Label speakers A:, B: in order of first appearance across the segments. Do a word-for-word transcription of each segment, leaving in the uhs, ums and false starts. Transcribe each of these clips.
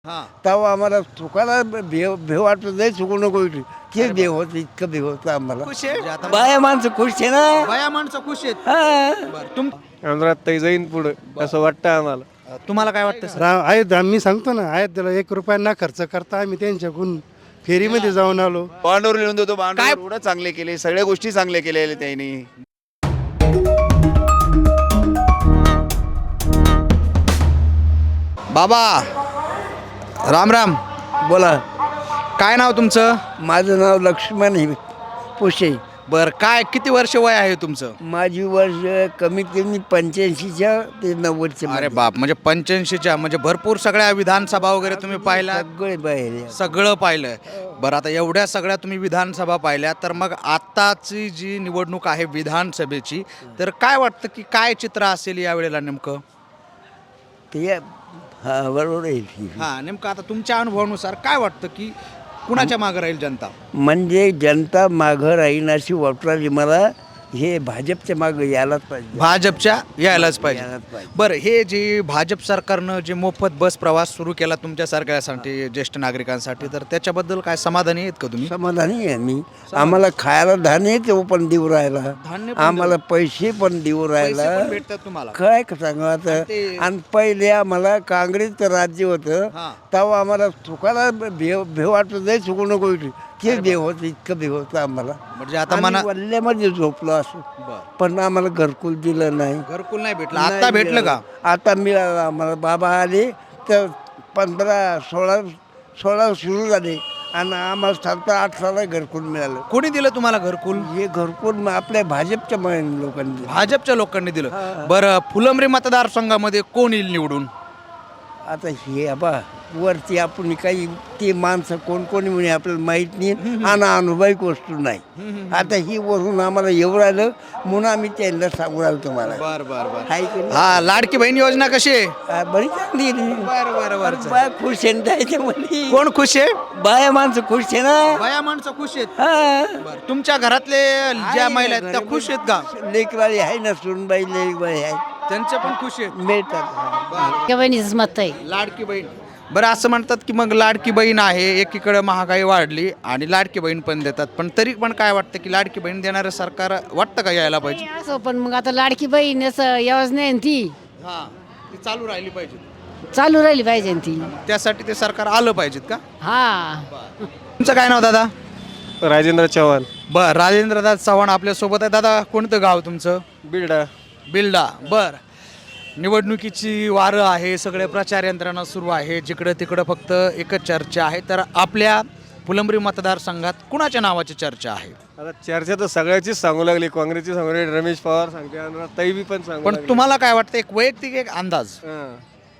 A: हां.
B: तेव्हा आम्हाला चुकायला भेव भेव वाटत नाही, चुकू नको इथे. ते भेव होतं, इतकं भेव होतं आम्हाला.
A: खुश आहे म्हणजे आता
B: बाया माणसं खुश आहे ना.
A: बाया माणसं खुश आहेत.
B: हा.
A: बरं तुम
C: अनुराधताई जाईन पुढं असं वाटतं आम्हाला.
A: तुम्हाला काय वाटतं सर?
D: राम आहेत आम्ही सांगतो ना, आहेत त्याला एक रुपया न खर्च करता आम्ही त्यांच्याकडून फेरीमध्ये जाऊन आलो.
E: बॉन्डवर लिहून देतो.
A: काय?
E: बॉन्डवर एवढं चांगले केले, सगळ्या गोष्टी चांगल्या केलेल्या त्यांनी.
A: बाबा राम राम.
B: बोला.
A: काय नाव तुमचं?
B: माझं नाव लक्ष्मण आहे पुशे.
A: बर काय किती वर्ष वय आहे तुमचं?
B: माझी वर्ष कमीत कमी पंच्याऐंशीच्या ते नव्वदच्या
A: अरे
B: मध्ये.
A: बाप, म्हणजे पंच्याऐंशीच्या म्हणजे भरपूर सगळ्या विधानसभा वगैरे तुम्ही पाहिला,
B: सगळे बाहेर आहे.
A: सगळं पाहिलंय. बरं आता एवढ्या सगळ्या तुम्ही विधानसभा पाहिल्या, तर मग आताची जी निवडणूक आहे विधानसभेची, तर काय वाटतं की काय चित्र असेल यावेळेला नेमकं?
B: ते हा बरोबर आहे.
A: हा नेमकं आता तुमच्या अनुभवानुसार काय वाटतं की कुणाच्या मागे राहील जनता?
B: म्हणजे जनता मागं राहीन अशी वाटली मला. हे भाजपच्या मागं यायलाच पाहिजे.
A: भाजपच्या यायलाच पाहिजे.
B: यायलाच पाहिजे.
A: बरं हे जे भाजप सरकारनं जे मोफत बस प्रवास सुरू केला तुमच्यासारख्यासाठी ज्येष्ठ नागरिकांसाठी, तर त्याच्याबद्दल काय समाधानी आहेत का तुम्ही?
B: समाधानी आहे मी. आम्हाला खायला धान्य तो पण देऊ राहिला,
A: धान्य पण
B: आम्हाला पैसे पण देऊ
A: पैसे
B: राहिला.
A: पण भेटतात तुम्हाला?
B: काय सांगा आता.
A: ते-
B: आणि पहिले आम्हाला काँग्रेसचं राज्य होतं,
A: हां.
B: तेव्हा आम्हाला चुकायला भेव भेव वाटत नाही, चुकू नको इथे. ते भेव होतं, इतकं भेव होतं आम्हाला.
A: म्हणजे आता
B: आम्ही
A: मना
B: वल्ल्यामध्ये झोपलो असं.
A: बरं.
B: पण आम्हाला घरकुल दिलं नाही.
A: घरकुल नाही भेटलं,
B: नाही
A: आता भेटलं का?
B: मिळालं. आता मिळालं आम्हाला. बाबा आले तर पंधरा सोळा सोळा सुरू झाले आणि आम्हाला सात आठ साला घरकुल मिळालं.
A: कोणी दिलं तुम्हाला घरकुल?
B: हे घरकुल मग आपल्या भाजपच्या म- लोकांनी दिलं.
A: भाजपच्या लोकांनी दिलं. बरं फुलंब्री मतदारसंघामध्ये कोण येईल निवडून?
B: आता हे आबा वरती आपण काही ते माणसं कोण कोणी म्हणे आपल्याला माहीत नाही आणि अनुभवी वस्तू नाही. आता ही वरून आम्हाला येऊ राहिलं म्हणून आम्ही त्यांना सांगू राहिलो तुम्हाला.
A: बर बर बर.
B: हाय की नाही?
A: हा लाडकी बहीण योजना कशी आहे?
B: हा, बरी चांगली आहे रे.
A: बरं बरं बरं.
B: बाया खुश आहे ना त्याच्यामध्ये.
A: कोण खुश आहे?
B: बाया माणसं खुश आहे ना.
A: बाया माणसं खुश आहेत.
B: हा.
A: बरं. तुमच्या घरातले ज्या महिला आहेत त्या खुश आहेत का?
B: लेकबाळी आहे ना, सुनबाई लेकबाळी आहे,
A: त्यांच्या पण खुश आहेत.
B: मिळतात.
F: त्या बहिणीचंच मत आहे.
A: लाडकी बहीण. बरं असं म्हणतात की मग लाडकी बहीण आहे, एकीकडे महागाई वाढली आणि लाडकी बहीण पण देतात, पण तरी पण काय वाटतं की लाडकी बहीण देणारं सरकार वाटतं का यायला पाहिजे?
F: असं पण मग आता लाडकी बहीण असं योजना आहे ना ती
A: हा ती चालू राहिली पाहिजे,
F: चालू राहिली पाहिजे ना ती.
A: त्यासाठी ते सरकार आलं पाहिजेत का?
F: हा
A: तुमचं काय नाव दादा?
C: राजेंद्र चव्हाण,
A: बर राजेंद्र दादा चव्हाण आपल्या सोबत आहे. दादा कोणतं गाव तुमचं?
C: बिल्डा.
A: बिल्डा. बर निवडणुकीची वारं आहे, सगळे प्रचार यंत्रणा सुरू आहे, जिकडं तिकडं फक्त एकच चर्चा आहे. तर आपल्या फुलंब्री मतदारसंघात कुणाच्या नावाची चर्चा आहे?
C: आता चर्चा तर सगळ्याचीच सांगू लागली, काँग्रेसची सांगू लागली, रमेश पवार सांगते, अनुराधताई बी पण सांगू
A: पण
C: लागली.
A: तुम्हाला काय वाटतं एक वैयक्तिक एक अंदाज,
C: हां.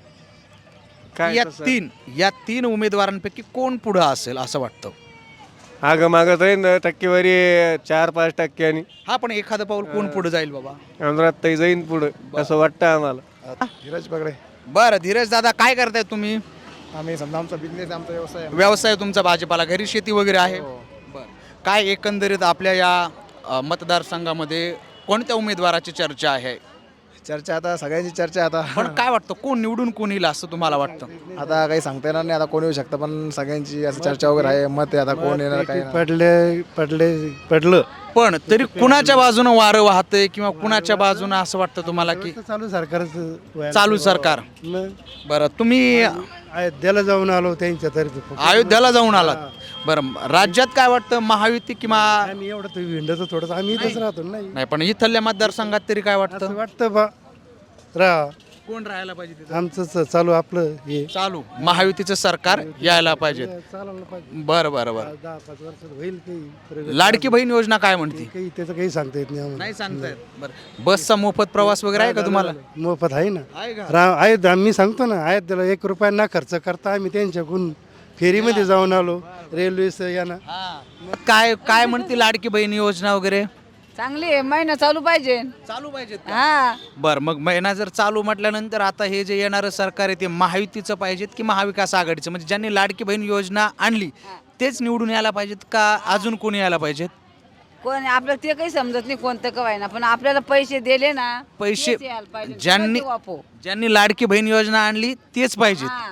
C: काय
A: या
C: तसं?
A: तीन या तीन उमेदवारांपैकी कोण पुढं असेल असं वाटतं?
C: मागं मागं राहील टक्केवारी चार पाच टक्क्यांनी.
A: हा पण एखादं पाऊल कोण पुढे जाईल बाबा?
C: अनुराधताई जाईन पुढं असं वाटतं आम्हाला.
D: धीरज पगडे.
A: बरं धीरज दादा काय करताय तुम्ही?
D: आम्ही समजा आमचा बिझनेस आमचा व्यवसाय
A: व्यवसाय तुमचा भाजीपाला, घरी शेती वगैरे आहे? बरं काय एकंदरीत आपल्या या अ, मतदारसंघामध्ये कोणत्या उमेदवाराची चर्चा आहे?
D: चर्चा आता सगळ्यांची चर्चा आता
A: पण काय वाटतं कोण निवडून कोण येईल असं तुम्हाला वाटतं?
D: आता काही सांगता येणार नाही, आता कोण येऊ शकतं, पण सगळ्यांची असं चर्चा वगैरे आहे, मत आहे आता कोण येणार काय येणार.
B: पडले पडले पडलं
A: पण तरी कुणाच्या बाजूनं वारं वाहतंय किंवा कुणाच्या बाजूनं असं वाटतं तुम्हाला की
B: चालू सरकारचं
A: चालू सरकार? बरं तुम्ही
B: अयोध्येला जाऊन आलो त्यांच्या तर्फे.
A: अयोध्याला जाऊन आलात. बरं राज्यात काय वाटतं महायुती किंवा
B: आम्ही एवढं तर विंडोचं थोडंसं आम्ही इथंच राहतो नाही.
A: नाही, पण इथल्या मतदारसंघात तरी काय वाटतं
B: असं वाटतं बा राहा
A: कोण राहायला पाहिजे तिथं?
B: आमचं च- चालू आपलं हे
A: चालू महायुतीचं सरकार यायला पाहिजे.
B: चालायला पाहिजे.
A: बरं बरं बरं.
B: दहा पाच वर्षात होईल काही प्रगती.
A: लाडकी बहीण योजना काय म्हणते?
B: काही त्याचं काही सांगता येत नाही आम्हाला.
A: नाही सांगतायत. बरं बसचा मोफत प्रवास वगैरे आहे का तुम्हाला?
B: मोफत आहे ना.
A: आहे का?
B: राम आहेत आम्ही सांगतो ना, आहेत त्याला एक रुपया न खर्च करता आम्ही त्यांच्याकडून फेरीमध्ये जाऊन आलो रेल्वे यानं.
A: हा. मग काय काय म्हणते लाडकी बहीण योजना वगैरे?
G: चांगली आहे, महिना चालू पाहिजे.
A: चालू पाहिजेत का?
G: हा
A: बरं मग महिना जर चालू म्हटल्यानंतर आता हे जे येणारं सरकार आहे ते महायुतीचं पाहिजेत की महाविकास आघाडीचं? म्हणजे ज्यांनी लाडकी बहीण योजना आणली तेच निवडून यायला पाहिजेत का अजून कोणी यायला पाहिजेत?
G: कोण आपल्याला ते काही समजत नाही कोणतं कवाय ना, पण आपल्याला पैसे दिले ना
A: पैसे
G: तेच यायला पाहिजे.
A: ज्यांनी
G: तेव्हा ते वापरू.
A: ज्यांनी लाडकी बहीण योजना आणली तेच पाहिजेत.
G: हा.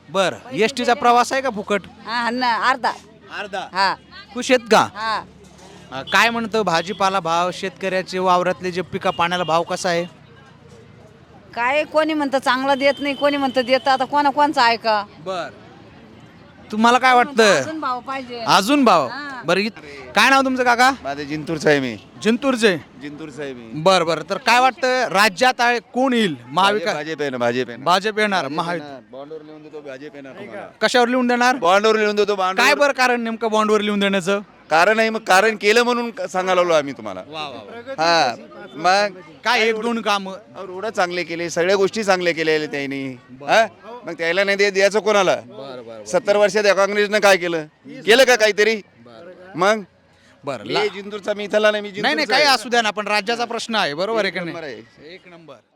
A: बरं एस टीचा प्रवास आहे का फुकट
G: हा ना अर्धा
A: अर्धा
G: हा
A: खुश आहेत का
G: हा
A: अ, काय म्हणतं भाजीपाला भाव शेतकऱ्याचे वावरातले जे पिका पाण्याला भाव कसा आहे
G: काय कोणी म्हणतं चांगलं देत नाही कोणी म्हणतं देतं आता कोणा कोणचं ऐका
A: बर तुम्हाला काय वाटतं
G: अजून भाव पाहिजे
A: अजून भाव बरं इत- काय नाव तुमचं काका
E: माझे जिंतूरचा आहे मी
A: जिंतूरचे
E: जिंतूरचा आहे मी
A: बर बर तर काय वाटतं राज्यात आहे कोण येईल महाविकास
E: भाजप आहे ना भाजप आहे ना
A: भाजप येणार महायुती
E: बॉन्डवर लिहून देतो भाजप येणार तुम्हाला.
A: कशावर लिहून देणार
E: बॉन्डवर लिहून देतो
A: काय
E: बॉन्ड
A: बरं कारण नेमकं बॉन्डवर लिहून देण्याचं
E: कारण आहे मग कारण केलं म्हणून सांगायला लागलो आम्ही तुम्हाला हा मग
A: काय एक दोन काम
E: रोड चांगले केले सगळ्या गोष्टी चांगल्या केलेल्या त्यांनी हा मग त्याला नाही दे- द्यायचं कोणाला सत्तर वर्षात या काँग्रेसनं काय केलं केलं का काहीतरी मग
A: बरं
E: मी जिंतूरचा मी इथला नाही मी
A: नाही नाही
E: जिंतूरचा
A: काही
E: आहे.
A: असू द्या ना पण राज्याचा प्रश्न आहे बरोबर आहे का
E: नंबर
A: नाही
E: आहे.
A: एक नंबर